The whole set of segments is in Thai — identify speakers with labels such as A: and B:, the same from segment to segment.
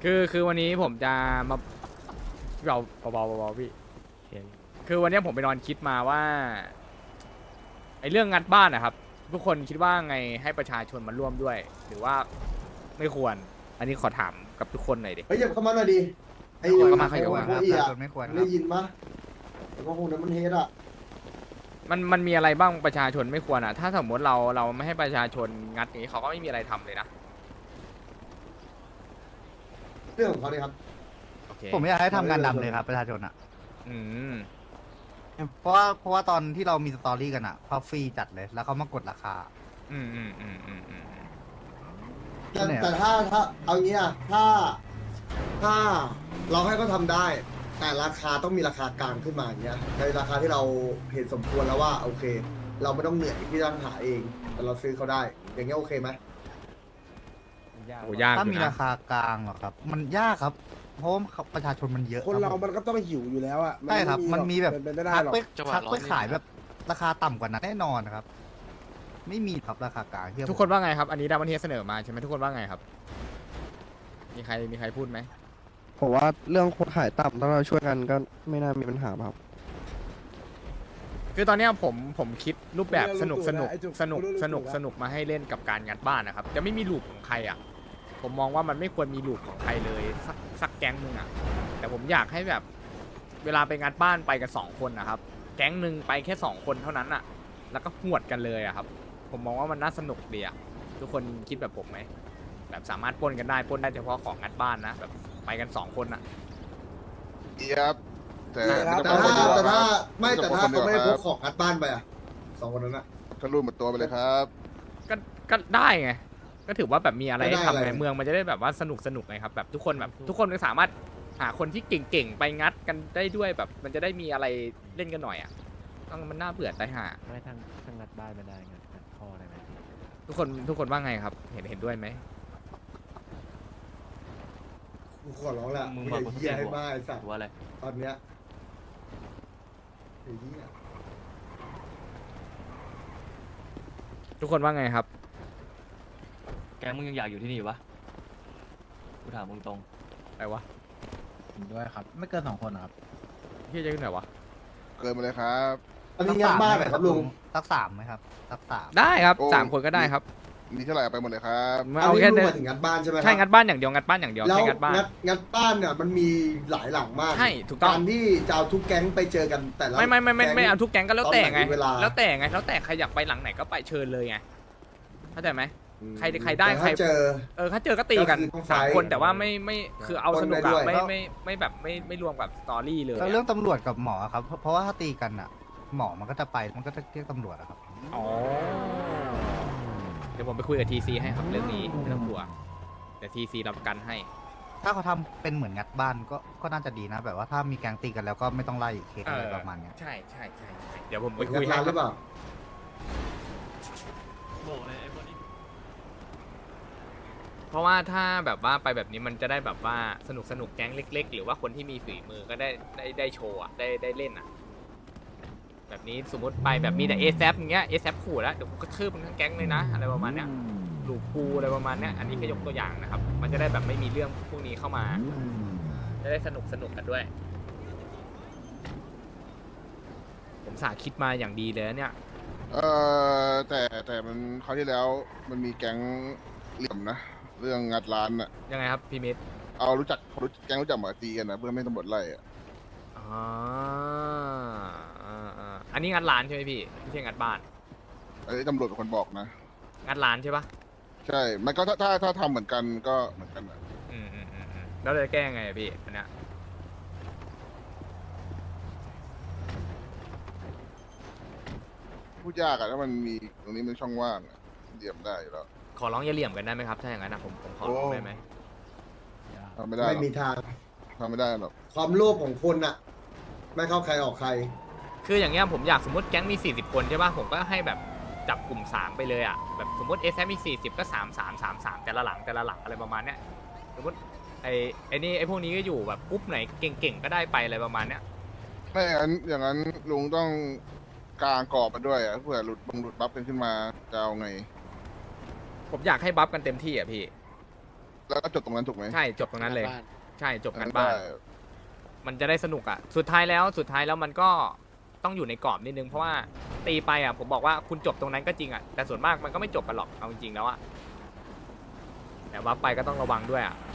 A: คือวันนี้ผมจะมาเราเบาๆพี่คือวันนี้ผมไปนอนคิดมาว่าไอ้เรื่องงัดบ้านนะครับทุกคนคิดว่าไงให้ประชาชนมาร่วมด้วย หรือว่าไม่ควรอันนี้ขอถามกับทุกคนหน่อยดิ
B: เฮ้ยอย่าเข้ามาหน่อยดิไอ้
A: เข้ามา
B: ไอ้
A: เข้ามา
B: โคอีอะ
C: ไม่ควร
B: ได้ยินปะไอ้พวกนั้นมันเฮดอะ
A: มันมีอะไรบ้างประชาชนไม่ควรอ่ะถ้าสมมติเราไม่ให้ประชาชนงัดอย่างนี้เขาก็ไม่มีอะไรทำเลยนะ
B: เรื่องของเขาเลยครับ
A: โอเค
C: ผมอยากให้ทำงานดำเลยครับประชาชนอ่ะ
A: อืม
C: เพราะว่าตอนที่เรามีสตอรี่กันอ่ะเขาฟรีจัดเลยแล้วเขามากดราคา
A: อืม
B: แต่ถ้าเอางี้อะถ้าเราให้เขาทำได้ แต่ราคาต้องมีราคากลางขึ้นมาอย่างเงี้ยในราคาที่เราเห็นสมควรแล้วว่าโอเค เราไม่ต้องเหนื่อยที่ต้องหาเอง แต่เราซื้อเขาได้ อย่างเงี้ยโอเคไหม
A: โหยาก
C: ถ้า
A: อยู่
C: มี
A: นะ
C: ราคากลางเหรอครับ มันยากครับ เพราะว่าประชาชนมันเยอะ
D: คนเรา
C: บ
D: มันก็ต้องหิวอยู่แล้วอะ
C: ใช่ครับ มันมีแบบ
D: เป็นไปไม่ได้
C: ทัก
D: หรอก
C: ไป
E: จังหวะ
C: ทัก
E: ร้อน
C: ไป
E: นี่
C: ขายแบบราคาต่ำกว่านั้นแน่นอนครับ ไม่มีครับราคากลางเชื่อผม
A: ทุกคนว่าไงครับอันนี้ดาวันเทเสนอมาใช่ไหมทุกคนว่าไงครับมีใครพูดไหม
F: ผมว่าเรื่องคนขายต่ำถ้าเราช่วยกันก็ไม่น่ามีปัญหาครับ
A: คือตอนเนี้ยผมคิดรูปแบบสนุก
D: ไอ้จุก
A: สนุกมาให้เล่นกับการงัดบ้านนะครับจะไม่มีลูปของใครอ่ะผมมองว่ามันไม่ควรมีลูปของใครเลยสักแก๊งหนึงอ่ะแต่ผมอยากให้แบบเวลาไปงัดบ้านไปกัน2 คนนะครับแก๊งหนึ่งไปแค่2 คนเท่านั้นอ่ะแล้วก็หวดกันเลยอ่ะครับผมมองว่ามันน่าสนุกดีอ่ะทุกคนคิดแบบผมไหมแบบสามารถปล้นกันได้ปล้นได้เฉพาะของงัดบ้านนะแบบไปกัน2 คนอ่ะ
G: เอียบแต่
B: แต่ถ้าแต่ถ้าเขาไม่ได้พกของงัดบ้านไปอะสองคนนั้นอะ
G: ก็รูดหมดตัวไปเลยครับ
A: ก็ได้ไง ก็ถือว่าแบบมีอะไรให้
B: ก็ได้
A: ทำ
B: อะไร
A: ไงเมืองมันจะได้แบบว่าสนุกไงครับแบบทุกคนก็สามารถหาคนที่เก่งๆไปงัดกันได้ด้วยแบบมันจะได้มีอะไรเล่นกันหน่อยอ่ะต้องมันน่าเบื่อตายห่า
E: ไม่ทางงัดบ้านไม่ได้งัดคอได้ไหมพี่
A: ทุกคนว่าไงครับเห็นด้วยไหม
B: กูขอร้องละ
E: มึง
B: อย่า
E: มา
B: เหี้ยให้บ้าไอ้สัต
E: ห
B: ว์
E: รือว่าอะไร
B: ตอนเนี้ยไอ้เหี้ย
A: ทุกคนว่าไงครับ
E: แกมึงยังอยากอยู่ที่นี่อยู่ปะกูถามมึงตรง
A: อะไรวะ
C: ด้วยครับ ไม่เกิน2 คนครับ
A: พี่จะขึ้นไหนวะ
G: เกินมาเลยครับ
B: อันนี้งัดบ้านเหรอครับลุง
C: สัก3ไหมครับสัก3
A: ได้ครับ
G: โอ้
A: 3 คนก็ได้ครับ
G: มีเท่าไหร่เอาไปหมดเลยครับ
A: เอาแค่
B: นนี้
A: เดิ
B: ลุงหมายถึงงัดบ้านใช่ไหมครับ
A: ใช่งัดบ้านอย่างเดียวงัดบ้านอย่างเดียว
B: แล้ว
A: ใช่งัดบ้าน
B: งัดบ้านเนี่ยมันมีหลายหลังมาก
A: ใช่ถูกต้อง
B: การที่จะเอาทุกแก๊งไปเจอกันแต่ละ
A: ไม่
B: แก๊ง
A: เอาทุกแก๊งก็แล้วแต่ไง
B: ตอนไหนเวลา
A: แล้วแต่ใครอยากไปหลังไหนก็ไปเชิญเลยไงเข้าใจไหม ใครได้
B: แต่
A: ใคร
B: ถ้าเจอ
A: ถ้าเจอก็ตีกัน
B: ก็คือต้องไฟท์
A: 3 คนแต่ว่าไม่คือเอาสนุก
B: ปน
A: อะ
B: ไปด้วย
A: ไม่แบบไม่รวมกับสตอรี่เลย
C: แล้วเรื่องตำรวจกับหมอครับ เพราะว่าถ้าตีกันอ่ะ หมอมันก็จะไปมันก็จะเรียกตำรวจอะครับ
A: อ๋อเดี๋ยวผมไปคุยกับทีซีให้ครับเรื่องนี้ไม่ต้องกลัวเดี๋ยวทีซีรับประกันให้
C: ถ้าเขาทำเป็นเหมือนงัดบ้านก็น่าจะดีนะ แบบว่าถ้ามีแก๊งตีกันแล้วก็ไม่ต้องไล่เคสอะไรประมาณเนี้ย
A: ใช่เดี๋ยวผมไป
B: งั
A: คุ
B: ด
A: ยให้
B: ร้าน
A: ค
B: ห
A: รั
B: รือเปล่า
A: เพราะว่าถ้าแบบว่าไปแบบนี้มันจะได้แบบว่าสนุกแก๊งเล็ก ๆ หรือว่าคนที่มีฝีมือก็ได้โชว์อะได้เล่นอะแบบนี้สมมติไปแบบมีแต่เอซอย่างเงี้ยเอซขู่แล้วเดี๋ยวกูกระทืบมันทั้งแก๊งเลยนะอะไรประมาณเนี้ยหลูกกูอะไรประมาณเนี้ยอันนี้แค่ยกตัวอย่างนะครับ มันจะได้แบบไม่มีเรื่องพวกนี้เข้ามาจะได้สนุกกันด้วย ผมสาคิดมาอย่างดีเลยนะเนี่ย
G: แต่มันคราวที่แล้วมันมีแก๊งเหลี่ยมนะ เรื่องงัดร้านน่ะ
A: ยังไงครับพี่มิตร
G: เอาแก๊งรู้จักหมาตีกันนะเพื่อไม่ให้ตำรวจไล่อะ
A: อ๋ออันนี้งัดร้านใช่ไหมพี่ไม่ใช่งัดบ้าน
G: ไอ้ตำรวจเป็นคนบอกนะ
A: งัดร้านใช่ปะ
G: ใช่ มันก็ถ้าทำเหมือนกันก็เหมือนกันนะ
A: แล้วจะแก้ยังไงอะพี่อันเนี้ย
G: พูดยากอะถ้ามันมีตรงนี้มันช่องว่างอะเหลี่ยมได้อยู่แล้ว
A: ขอร้องอย่าเหลี่ยมกันได้ไหมครับถ้าอย่างนั้นนะผมขอร้องได้ไหม
G: ทำไม่ได้หร
B: ไม่
G: อก
B: มีทาง
G: ทำไม่ได้หรอก
B: ความโลภของคนอะไม่เข้าใครออกใคร
A: คืออย่างเงี้ยผมอยากสมมติแก๊งมี40 คนใช่ป่ะผมก็ให้แบบจับกลุ่ม3ไปเลยอ่ะแบบสมมติเอซมี40ก็3 แต่ละหลังอะไรประมาณเนี้ยสมมติไอ้พวกนี้ก็อยู่แบบปุ๊บไหนเก่งๆก็ได้ไปอะไรประมาณเนี้ย
G: ไม่อย่างนั้นลุงต้องกางกรอบมาด้วยอะเผื่อหลุดบัฟกันขึ้นมาจะเอาไง
A: ผมอยากให้บัฟกันเต็มที่อ่ะพี่
G: แล้วก็จบตรงนั้นถูกไหม
A: ใช่จบตรงนั้นเลย
D: บ้าน
A: ใช่จบงานบ้าน
G: ได้
A: มันจะได้สนุกอ่ะสุดท้ายแล้วมันก็ต้องอยู่ในกรอบนิดนึงเพราะว่าตีไปอ่ะผมบอกว่าคุณจบตรงนั้นก็จริงอ่ะแต่ส่วนมากมันก็ไม่จบกันหรอกเอาจริงๆแล้วอ่ะแต่ว่าไปก็ต้องระวังด้วยอ่ะ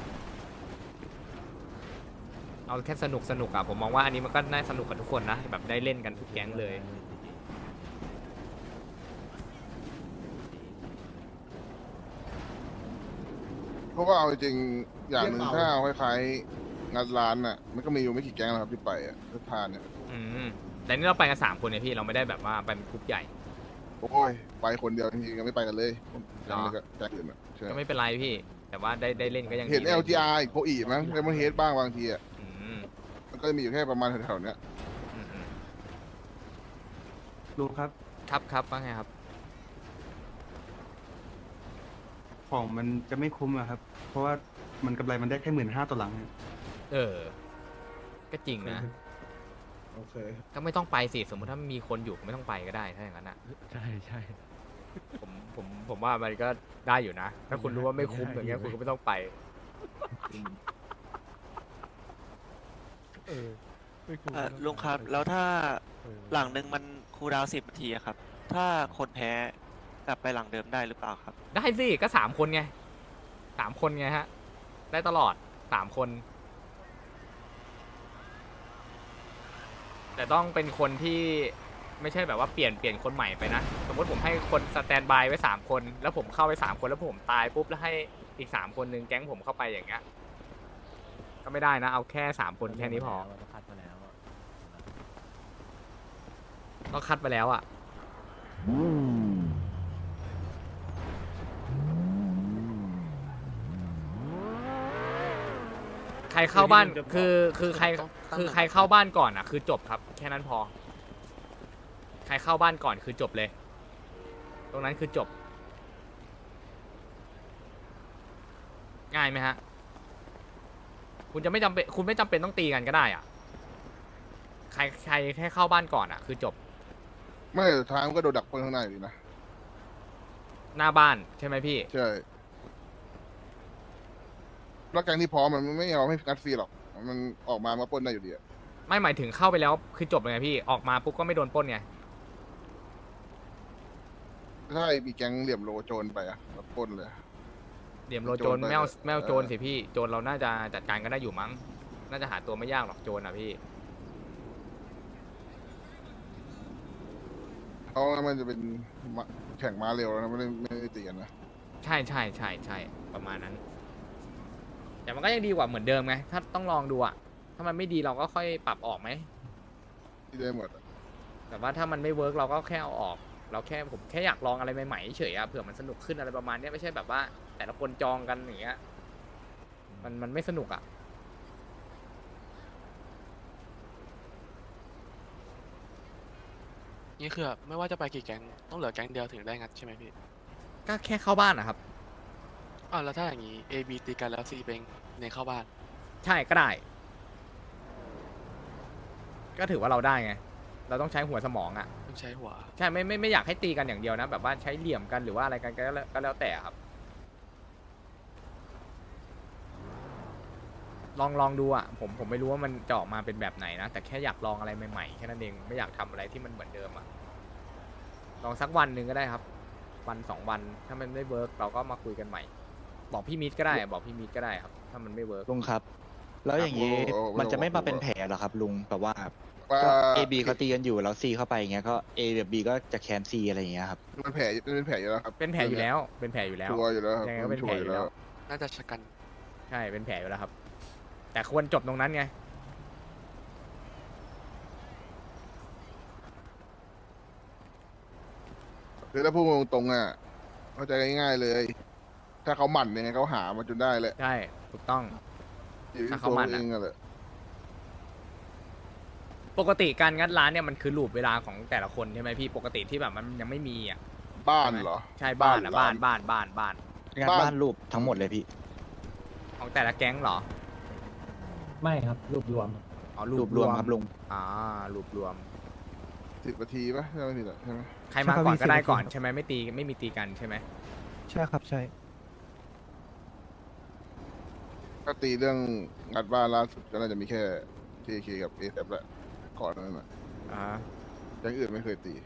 A: เอาแค่สนุกอ่ะผมมองว่าอันนี้มันก็น่าสนุกกับทุกคนนะแบบได้เล่นกันทุกแก๊งเลย
G: เพราะว่าเอาจริงๆอย่างหนึ่งถ้าเอาคล้ายๆงานร้านน่ะมันก็มีอยู่ไม่กี่แก๊งแล้วครับที่ไปอ่ะทุกทานเนี่ย
A: อืมแต่นี่เราไปกัน3 คนเนี่ยพี่เราไม่ได้แบบว่าไปเป็นกลุ่มใหญ่
G: โอ้ยไปคนเดียวจริงๆก็ไม่ไปกันเลย
A: หรอ
G: ยังกับแก๊งอื่นอ่ะใช่
A: ก็ไม่เป็นไรพี่ แต่ว่าได้เล่นก็ยังดี
G: เห็น LGR อีกโคอีมั้งเลมอนเฮดบ้างบางทีอ่ะ
A: อืม
G: มันก็จะมีอยู่แค่ประมาณแถวๆเนี้ย
A: อืม
H: ลุงครับ
A: ครับว่าไงครับ
H: ของมันจะไม่คุ้มอะครับ เพราะว่ามันกำไรมันได้แค่15,000ต่อหลังครับ
A: เออ ก็จริงนะ
B: โอเค
A: ก็ไม่ต้องไปสิสมมติถ้ามีคนอยู่ก็ไม่ต้องไปก็ได้ถ้าอย่างนั้นอ่ะ
E: ใช่ใช่
A: ผมว่ามันก็ได้อยู่นะ ถ้าคุณรู้ว่าไม่คุ้มอย่างเงี้ยคุณก็ไม่ต้องไป
D: ลุงครับ แล้วถ้าหลังหนึ่งมันคูลดาวน์10 นาทีอะครับ ถ้าคนแพ้กลับไปหลังเดิมได้หรือเปล่าครับ
A: ได้สิก็3 คนไง3 คนไงฮะ ได้ตลอด3 คน แต่ต้องเป็นคนที่ไม่ใช่แบบว่าเปลี่ยนคนใหม่ไปนะ สมมติผมให้คนสแตนบายไว้3 คนแล้วผมเข้าไป3 คนแล้วผมตายปุ๊บแล้วให้อีก3 คนหนึ่งแก๊งผมเข้าไปอย่างเงี้ยก็ไม่ได้นะ เอาแค่3 คนแค่นี้พอต้องคัดมาแล้วอ่ะใครเข้าบ้านคือใครเข้าบ้านก่อนอ่ะ คือจบครับ แค่นั้นพอ ใครเข้าบ้านก่อนคือจบเลย ตรงนั้นคือจบ ง่ายไหมฮะ คุณไม่จำเป็นต้องตีกันก็ได้อ่ะ ใครแค่เข้าบ้านก่อนอ่ะ คือจบ
G: ไม่สุดท้ายมันก็โดนดักปล้นข้างในอยู่ดีนะ
A: หน้าบ้านใช่ไหมพี่
G: ใช่แล้วแก๊งที่พร้อมมันไม่เอาให้งัดฟรีหรอกมันออกมาปล้นได้อยู่ดีอะ
A: ไม่หมายถึงเข้าไปแล้วคือจบเลยไงพี่ ออกมาปุ๊บก็ไม่โดนปล้นไง
G: ถ้ามีแก๊งเหลี่ยมโลโจรไปอะปล้นเลย
A: เดี่ยมโลโจร
G: โจรไป
A: ไม่เอาโจร
G: เออ
A: สิพี่ โจรเราน่าจะจัดการกันได้อยู่มั้ง น่าจะหาตัวไม่ยากหรอกโจรอ่ะพี่
G: เพราะว่ามันจะเป็นแข่งม้าเร็วแล้วนะไม่ได้ตีกันนะ
A: ใช่ประมาณนั้น แต่มันก็ยังดีกว่าเหมือนเดิมไง ถ้าต้องลองดูอ่ะ ถ้ามันไม่ดีเราก็ค่อยปรับออกไหม
G: ที่ได้หมดอะ
A: แต่ว่าถ้ามันไม่เวิร์กเราก็แค่เอาออก ผมแค่อยากลองอะไรใหม่ๆเฉยๆอะเผื่อมันสนุกขึ้นอะไรประมาณเนี้ยไม่ใช่แบบว่า แต่ละคนจองกันอย่างเงี้ย มันไม่สนุกอ่ะ
D: นี่คือไม่ว่าจะไปกี่แก๊งต้องเหลือแก๊งเดียวถึงได้งัดใช่ไหมพี่
A: ก็แค่เข้าบ้านนะครับ
D: อ้าวแล้วถ้าอย่างนี้ A B ตีกันแล้ว C เป็นในเข้าบ้าน
A: ใช่ก็ได้ ก็ถือว่าเราได้ไง เราต้องใช้หัวสมองอ่ะ
D: ต้องใช้หัว
A: ใช่ไม่อยากให้ตีกันอย่างเดียวนะ แบบว่าใช้เหลี่ยมกันหรือว่าอะไรกันก็แล้วแต่ครับ ลองดูอ่ะผมไม่รู้ว่ามันจะออกมาเป็นแบบไหนนะ แต่แค่อยากลองอะไรใหม่ๆแค่นั้นเองไม่อยากทำอะไรที่มันเหมือนเดิมอ่ะลองสักวันหนึ่งก็ได้ครับ วัน2 วันถ้ามันไม่เวิร์กเราก็มาคุยกันใหม่ บอกพี่มิตรก็ได้บอกพี่มิตรก็ได้ครับ ถ้ามันไม่เวิร์ก
I: ลุงครับ แล้วอย่างนี้
G: โอ้
I: มันจะไม่มาเป็นแผลเหรอครับลุงแบบว่า
G: ว่า
I: ก็ A B เขาตีกันอยู่แล้ว C เข้าไปอย่างเงี้ยก็ A กับ B ก็จะแคน C อะไรอย่างเงี้ยครับ
G: มันเป็นแผลอยู่แล้วครับ
A: เป็นแผลอยู่แล้ว เป็นแผลอยู่แล้ว
G: ชัวร์อยู่แล้วครับ
A: ยังไงก็เป็นแผลอยู่แล้ว
D: น่าจะชะกัน
A: ใช่เป็นแผลอยู่แล้วครับ แต่ควรจบตรงนั้นไง
G: คือถ้าพูดตรงๆอ่ะเข้าใจง่ายๆเลย ถ้าเขาหมั่นยังไงเขาหามาจนได้แหละ
A: ใช่ถูกต้อง
G: อยู่ที่
A: ถ้า
G: ตั
A: เขา
G: ว
A: หมั่น
G: เอ
A: อะ
G: งอะแหละ
A: ปกติการงัดร้านเนี่ยมันคือลูปเวลาของแต่ละคนใช่ไหมพี่ปกติที่แบบมันยังไม่มีอ่ะ
G: บ้านเหรอ
A: ใช่บ้านอ่ะ
G: บ้า
A: บ้าน
G: น
A: บ้าน
I: งาน
G: บ้าน
I: บ้านรูปทั้งหมดเลยพี่
A: ของแต่ละแก๊งเหรอ
J: ไม่ครับรวบรวม
A: อ๋อ
I: รูปรวมครับลุง
A: อ่ารูปรวม
G: 10 นาทีปะใช่ไหมพี่ใช่ไหม
A: ใครมาก่อนก็ได้ก่อน
F: ใช่ครับ
A: ใช่ไหมไม่มีตีกันใช่ไหม
F: ใช่ครับใช่
G: ถ้าตีเรื่องงัดบ้านล่าสุดก็น่าจะมีแค่ TK กับ a อ f แหละก่อนนั้นนะ
A: อ่า
G: แก๊งอื่นไม่เคยตี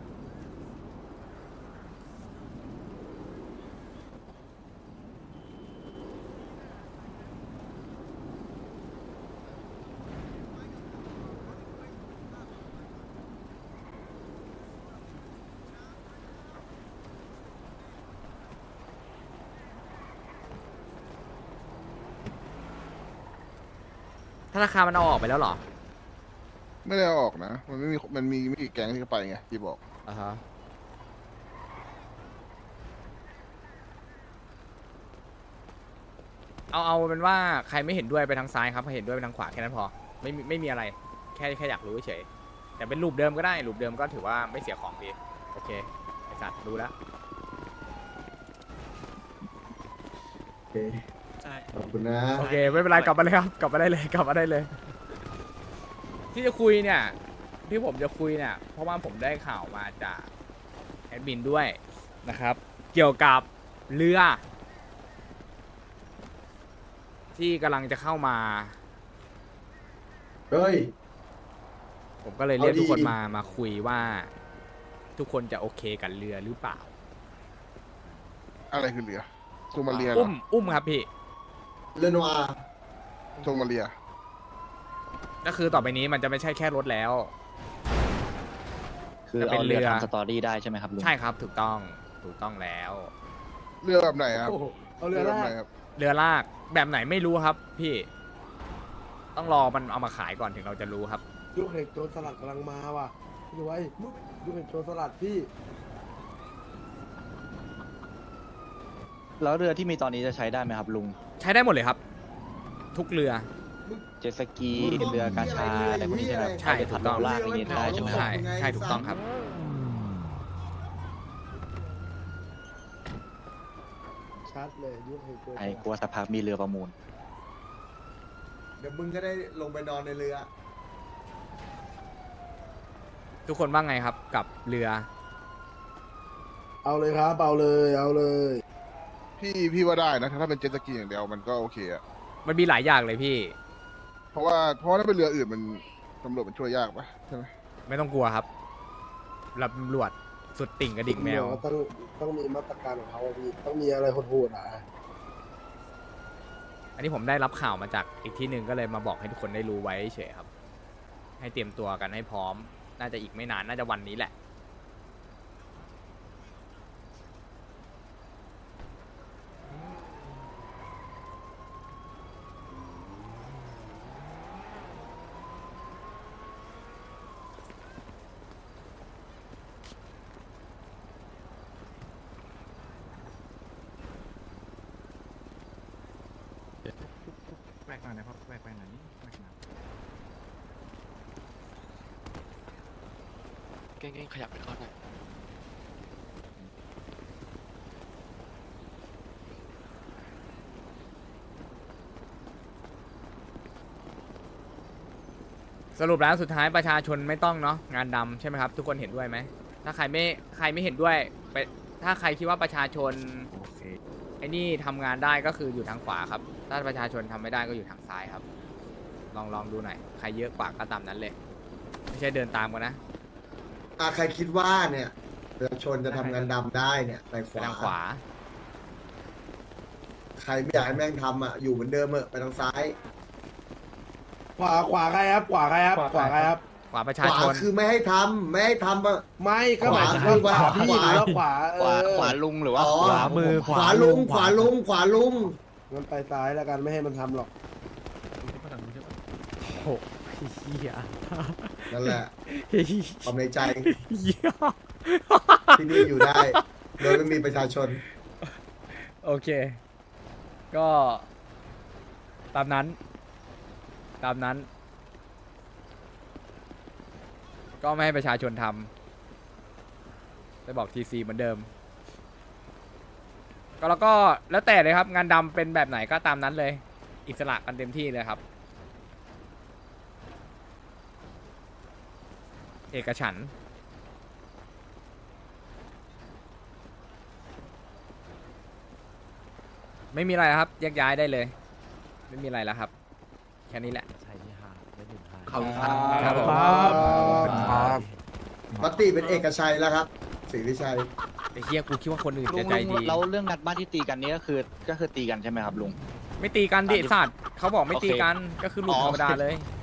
A: ธนาคารมันเอาออกไปแล้วเหรอ
G: ไม่ได้เอาออกนะ มันมีไม่กี่แก๊งที่เขาไปไงที่บอก
A: อ่าฮะเอาเป็นว่าใครไม่เห็นด้วยไปทางซ้ายครับเห็นด้วยไปทางขวาแค่นั้นพอไม่มีอะไรแค่อยากรู้เฉยแต่เป็นรูปเดิมก็ได้รูปเดิมก็ถือว่าไม่เสียของดีโอเคไอสัตว์รู้แล้ว
B: โอเค
D: ใช่
B: ขอบคุณนะ
A: โอเคไม่เป็นไรกลับมาเลยครับกลับมาได้เลยกลับมาได้เลย ที่จะคุยเนี่ยที่ผมจะคุยเนี่ยเพราะว่าผมได้ข่าวมาจากแอดมินด้วยนะครับ เกี่ยวกับเรือ ที่กำลังจะเข้ามา
B: เฮ้ย
A: ผมก็เลยเรียก
B: เอาดี
A: ทุกคนมาคุยว่า ทุกคนจะโอเคกับเรือหรือเปล่า
G: อะไรคือเรือโซมาเลียเหรอ
A: อุ้มครับพี่
B: เรโนอา
G: โซมาเลีย
A: ก็คือต่อไปนี้มันจะไม่ใช่แค่รถแล้ว
I: คือ
A: จะเป็น
I: เอาเรือ
A: เรือ
I: ทำสตอรี่ได้ใช่ไหมครับลุง
A: ใช่ครับถูกต้องแล้ว
G: เรือแบบไหนครับ
B: เอาเรือ
G: แบ
B: แร
G: บไหน
B: ก
G: ครับ
A: เรือลากแบบไหนไม่รู้ครับ พี่ ต้องรอมันเอามาขายก่อนถึงเราจะรู้ครับ
B: ลูกเห็ดโจรสลัดกำลังมาว่ะพี่ไว้ลูกเห็ดโจรสลัดพี่
I: แล้วเรือที่มีตอนนี้จะใช้ได้ไหมครับลุง
A: ใช้ได้หมดเลยครับ ทุกเรือ
I: เจ็ตสกีเรือกาชาอะไรพวกนี้ใช่ไหมครับ
A: ใช่
I: เอาไป
A: ถูก
I: ทำ
A: ต้อง
I: ลากอย่างนี้ได้ใช่ไหมครับ
A: ใช่ถูกต้องครับ
B: ชัดเลยลูกเห็ดโจรส
I: ไอ้
B: ลัด
I: กลัวสักพักมีเรือประมูล
B: เดี๋ยวมึงก็ได้ลงไปนอนในเรือ
A: ทุกคนว่าไงครับกับเรือ
B: เอาเลยครับเอาเลยเอาเลย
G: พี่ว่าได้นะถ้าเป็นเจ็ตสกีอย่างเดียวมันก็โอเคอะ
A: มันมีหลายอย่างเลยพี่
G: เพราะว่าถ้าเป็นเรืออื่นมันตำรวจมันช่วยยากปะใช่ไหม
A: ไม่ต้องกลัวครับตำรวจสุดติ่งกระดิ่งแมว
B: ต้องมีมาตรการของเขาพี่ต้องมีอะไรโหดๆอ่ะ
A: อันนี้ผมได้รับข่าวมาจากอีกที่หนึ่งก็เลยมาบอกให้ทุกคนได้รู้ไว้เฉยครับ ให้เตรียมตัวกันให้พร้อม น่าจะอีกไม่นานน่าจะวันนี้แหละ
H: แวกหน่อยนะครับแวกหน่อยนี่แวกหน่อย
D: เก่งๆขยับไปก่อนหน่อย
A: สรุปแล้วสุดท้ายประชาชนไม่ต้องเนาะงานดำใช่ไหมครับ ทุกคนเห็นด้วยไหมถ้าใครไม่เห็นด้วยไปถ้าใครคิดว่าประชาชน
H: โอเค
A: ไอ้นี่ทำงานได้ก็คืออยู่ทางขวาครับ ถ้าประชาชนทำไม่ได้ก็อยู่ทางซ้ายครับ ลองดูหน่อยใครเยอะกว่าก็ตามนั้นเลย ไม่ใช่เดินตามกันนะ
B: ใครคิดว่าเนี่ยประชาชนจะทำงานดำได้เนี่ยไปข
A: ไป
B: วา
A: ทางขวา
B: ใครไม่อยากให้แม่งทำอ่ะอยู่เหมือนเดิมไปทางซ้าย ขวาใครครับขวาใครครับขวาใครครับ
A: ขวาประ
B: ข
A: ชาว
B: า
A: ชน
B: คือไม่ให้ทำไม่ให้ทำอะไม่ก็
I: ข
B: ห
I: วา
B: มายถึงว่าขวาพี่หรือว่าขวา
I: ขวาลุงหรือว่า
B: อ๋อ
I: ขวามือ
B: ขวาลุงขวาลุงขวาลุงงั้นไปซ้ายแล้วกันไม่ให้มันทำหรอก
A: โอ้เหี้ย
B: นั่นแหละความในใจ
A: เหี้ย
B: ที่นี่อยู่ได้ โดยไม่มีประชาชน
A: โอเค ก็ตามนั้น ก็ไม่ให้ประชาชนทำไปบอกทีซีเหมือนเดิม ก็แล้วก็แล้วแต่เลยครับ งานดำเป็นแบบไหนก็ตามนั้นเลย อิสระกันเต็มที่เลยครับ เอกฉันท์ไม่มีอะไรครับแยกย้ายได้เลยไม่มีอะไรแล้วครับ แค่นี้แหละ
C: ขอบคุณครับ
A: ครับผม
F: ครับ
B: มติเป็นเอกชัยแล้วครับศรีวิชัย
A: ไอ้เฮียกูคิดว่าคนอื่น
I: ลุ
A: จะ
I: ง
A: ใจ
I: ลุง
A: ดี
I: แล้วเรื่องงัดบ้านที่ตีกันนี้ก็คือตีกันใช่ไหมครับลุง
A: ไม่ตีกันดิ
I: อ่ะ
A: สัตว์เขาบอกไม่ตี
I: โอเค
A: กันก็คือหลุด
I: อ๋อ
A: ธรรมดาเลย